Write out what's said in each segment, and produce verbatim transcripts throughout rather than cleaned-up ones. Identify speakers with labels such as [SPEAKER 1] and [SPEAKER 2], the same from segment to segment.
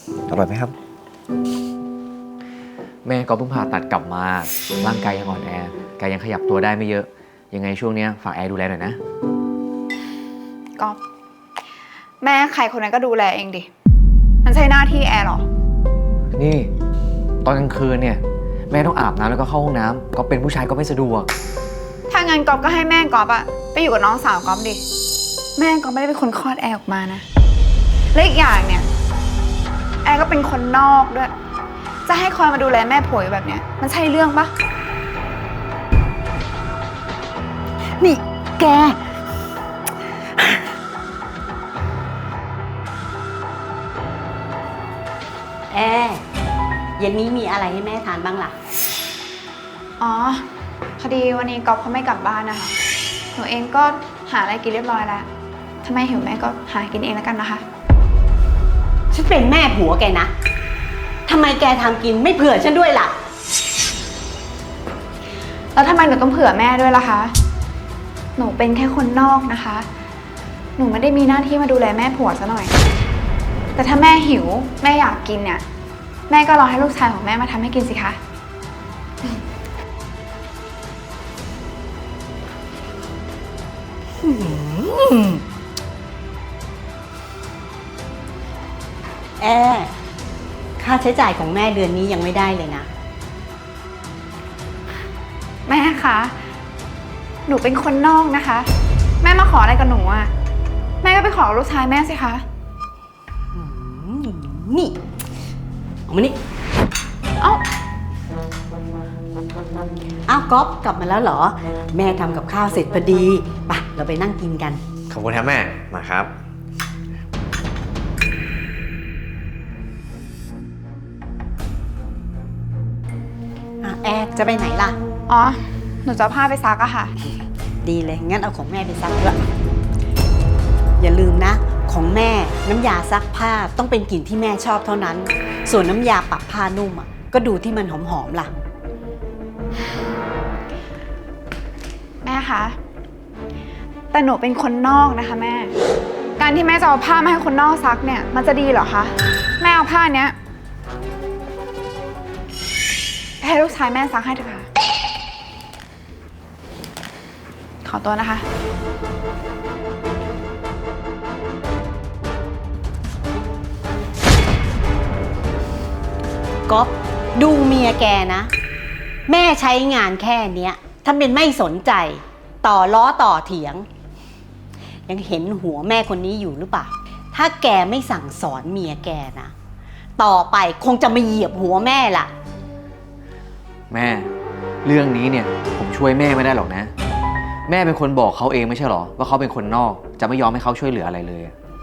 [SPEAKER 1] อร่อยไหมครับแม่ก็เพิ่งผ่าตัดกลับมาร่างกายยังอ่อนแอกายยังขยับตัวได้ไม่เยอะยังไงช่วงนี้ฝากแอร์ดูแลหน่อยนะ
[SPEAKER 2] ก็แม่ใครคนนั้นก็ดูแลเองดิมันใช่หน้าที่แอร์หรอ
[SPEAKER 1] นี่ตอนกลางคืนเนี่ยแม่ต้องอาบน้ำแล้วก็เข้าห้องน้ำก็เป็นผู้ชายก็ไม่สะดวก
[SPEAKER 2] ถ้างั้นก๊อฟก็ให้แม่ก๊อฟอะไปอยู่กับน้องสาวก๊อฟดิแม่ก๊อฟไม่ได้เป็นคนคลอดแอร์ออกมานะและอีกอย่างเนี่ยแอร์ก็เป็นคนนอกด้วยจะให้คอยมาดูแลแม่ผัวแบบเนี้ยมันใช่เรื่องปะ
[SPEAKER 3] นี่แกแอร์เย็นนี้มีอะไรให้แม่ทานบ้างล่ะ
[SPEAKER 2] อ๋อพอดีวันนี้ก๊อฟเขาไม่กลับบ้านนะคะหนูเองก็หาอะไรกินเรียบร้อยแล้วถ้าแม่หิวแม่ก็หากินเองแล้วกันนะคะ
[SPEAKER 3] ฉันเป็นแม่ผัวแกนะทำไมแกทำกินไม่เผื่อฉันด้วยล่ะ
[SPEAKER 2] แล้วทำไมหนูต้องเผื่อแม่ด้วยล่ะคะหนูเป็นแค่คนนอกนะคะหนูไม่ได้มีหน้าที่มาดูแลแม่ผัวซะหน่อยแต่ถ้าแม่หิวแม่อยากกินเนี่ยแม่ก็รอให้ลูกชายของแม่มาทำให้กินสิคะ
[SPEAKER 3] แอร์ค่าใช้จ่ายของแม่เดือนนี้ยังไม่ได้เลยนะ
[SPEAKER 2] แม่คะหนูเป็นคนนอกนะคะแม่มาขออะไรกับหนูอ่ะแม่ก็ไปขอลูกชายแม่สิคะ
[SPEAKER 3] นี่เอามานี่
[SPEAKER 2] เอ้า
[SPEAKER 3] อ้าวก๊อฟกลับมาแล้วเหรอแม่ทำกับข้าวเสร็จพอดีไปเราไปนั่งกินกัน
[SPEAKER 1] ขอบคุณครับแม่มาครับ
[SPEAKER 3] แอร์จะไปไหนล่ะ
[SPEAKER 2] อ๋อหนูจะเอาผ้าไปซักอะค่ะ
[SPEAKER 3] ดีเลยงั้นเอาของแม่ไปซักด้วยอย่าลืมนะของแม่น้ำยาซักผ้าต้องเป็นกลิ่นที่แม่ชอบเท่านั้นส่วนน้ำยาปรับผ้านุ่มอ่ะก็ดูที่มันหอมๆล่ะ
[SPEAKER 2] แม่คะแต่หนูเป็นคนนอกนะคะแม่การที่แม่จะเอาผ้ามาให้คนนอกซักเนี่ยมันจะดีเหรอคะแม่เอาผ้าเนี้ยให้ลูกชายแม่ซักให้เถอะค่ะขอตัวนะคะ
[SPEAKER 3] ก๊อฟดูเมียแกนะแม่ใช้งานแค่เนี้ยถ้าเป็นไม่สนใจต่อล้อต่อเถียงยังเห็นหัวแม่คนนี้อยู่หรือเปล่าถ้าแกไม่สั่งสอนเมียแกนะต่อไปคงจะมาเหยียบหัวแม่ล่ะ
[SPEAKER 1] แม่เรื่องนี้เนี่ยผมช่วยแม่ไม่ได้หรอกนะแม่เป็นคนบอกเขาเองไม่ใช่หรอว่าเขาเป็นคนนอกจะไม่ยอมให้เขาช่วยเหลืออะไรเลย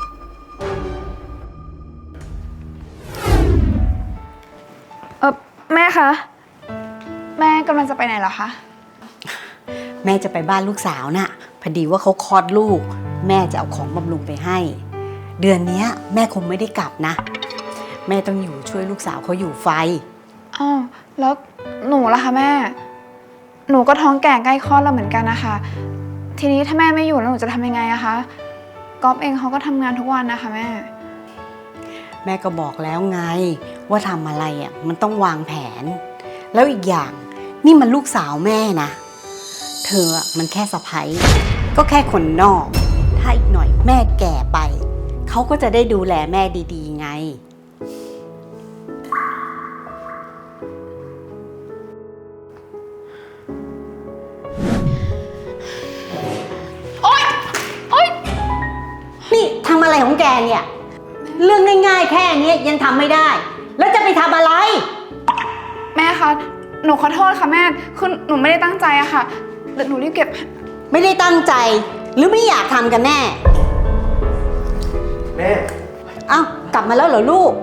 [SPEAKER 2] เออแม่คะแม่กำลังจะไปไหนเหรอคะ
[SPEAKER 3] แม่จะไปบ้านลูกสาวน่ะพอดีว่าเขาคลอดลูกแม่จะเอาของบำรุงไปให้เดือนนี้แม่คงไม่ได้กลับนะแม่ต้องอยู่ช่วยลูกสาวเขาอยู่ไฟ
[SPEAKER 2] อ้าวแล้วหนูล่ะคะแม่หนูก็ท้องแก่ใกล้คลอดแล้วเหมือนกันนะคะทีนี้ถ้าแม่ไม่อยู่แล้วหนูจะทำยังไงอะคะก๊อฟเองเขาก็ทำงานทุกวันนะคะแม่
[SPEAKER 3] แม่ก็บอกแล้วไงว่าทำอะไรอ่ะมันต้องวางแผนแล้วอีกอย่างนี่มันลูกสาวแม่นะเธอมันแค่สะใภ้ก็แค่คนนอกถ้าอีกหน่อยแม่แก่ไปเขาก็จะได้ดูแลแม่ดีๆไง
[SPEAKER 2] โอ๊ยโอ๊ย
[SPEAKER 3] นี่ทำอะไรของแกเนี่ยเรื่องง่ายๆแค่นี้ยังทำไม่ได้แล้วจะไปทำอะไร
[SPEAKER 2] แม่คะหนูขอโทษค่ะแม่คือหนูไม่ได้ตั้งใจอะค่ะเดี๋ยวหนูรีบเก็บ
[SPEAKER 3] ไม่ได้ตั้งใจหรือไม่อยากทำกันแน่
[SPEAKER 1] แม่
[SPEAKER 3] เอ้ากลับมาแล้วเหรอลูก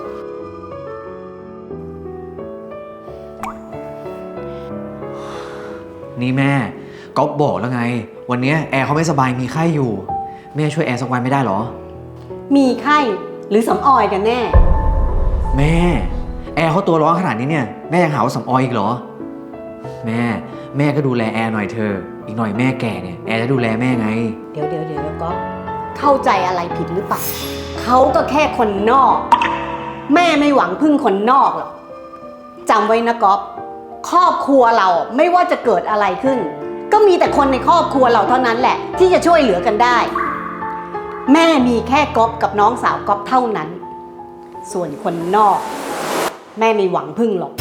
[SPEAKER 1] นี่แม่ก๊อฟบอกแล้วไงวันนี้แอร์เขาไม่สบายมีไข้อยู่แม่ช่วยแอร์สักวันไม่ได้หรอ
[SPEAKER 3] มีไข้หรือสำออยกันแน่
[SPEAKER 1] แม่แอร์เขาตัวร้อนขนาดนี้เนี่ยแม่ยังหาว่าสำออยอีกเหรอแม่แม่ก็ดูแลแอร์หน่อยเธออีกหน่อยแม่แก่เนี่ยแอร์จะดูแลแม่ไง
[SPEAKER 3] เดี๋ยวเดี๋ยวเดี๋ยวก็เข้าใจอะไรผิดหรือเปล่าเขาก็แค่คนนอกแม่ไม่หวังพึ่งคนนอกหรอกจำไว้นะก๊อฟครอบครัวเราไม่ว่าจะเกิดอะไรขึ้น ก็มีแต่คนในครอบครัวเราเท่านั้นแหละ ที่จะช่วยเหลือกันได้ แม่มีแค่ก๊อฟกับน้องสาวก๊อฟเท่านั้น ส่วนคนนอก แม่ไม่หวังพึ่งหรอก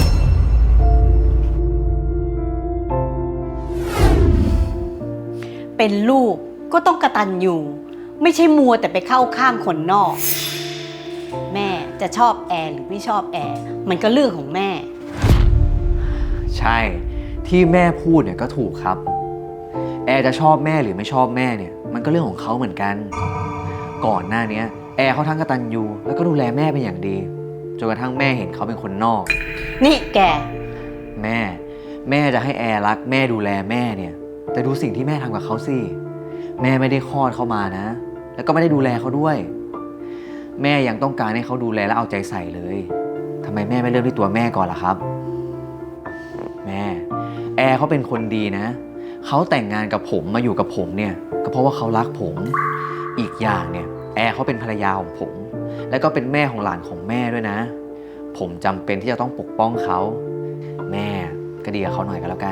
[SPEAKER 3] เป็นลูกก็ต้องกตัญญูไม่ใช่มัวแต่ไปเข้าข้างคนนอก แม่จะชอบแอร์หรือไม่ชอบแอร์มันก็เรื่องของแม่
[SPEAKER 1] ใช่ที่แม่พูดเนี่ยก็ถูกครับ แอร์จะชอบแม่หรือไม่ชอบแม่เนี่ยมันก็เรื่องของเขาเหมือนกัน ก่อนหน้านี้แอร์เขาทั้งกตัญญูแล้วก็ดูแลแม่เป็นอย่างดีจนกระทั่งแม่เห็นเขาเป็นคนนอก
[SPEAKER 3] นี่แก
[SPEAKER 1] แม่ แม่จะให้แอร์รักแม่ดูแลแม่เนี่ยแต่ดูสิ่งที่แม่ทำกับเขาสิแม่ไม่ได้คลอดเขามานะ แล้วก็ไม่ได้ดูแลเขาด้วย แม่ยังต้องการให้เขาดูแลและเอาใจใส่เลยทำไมแม่ไม่เริ่มที่ตัวแม่ก่อนล่ะครับ แม่แอร์เขาเป็นคนดีนะเขาแต่งงานกับผมมาอยู่กับผมเนี่ยก็เพราะว่าเขารักผมอีกอย่างเนี่ยแอร์เขาเป็นภรรยาของผม แล้วก็เป็นแม่ของหลานของแม่ด้วยนะ ผมจำเป็นที่จะต้องปกป้องเขาแม่ก็ดีกับเขาหน่อยก็แล้วกัน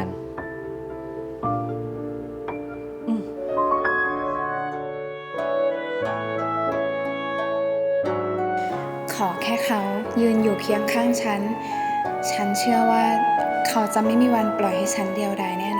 [SPEAKER 2] ขอแค่เขายืนอยู่เคียงข้างฉัน ฉันเชื่อว่าเขาจะไม่มีวันปล่อยให้ฉันเดียวดายแน่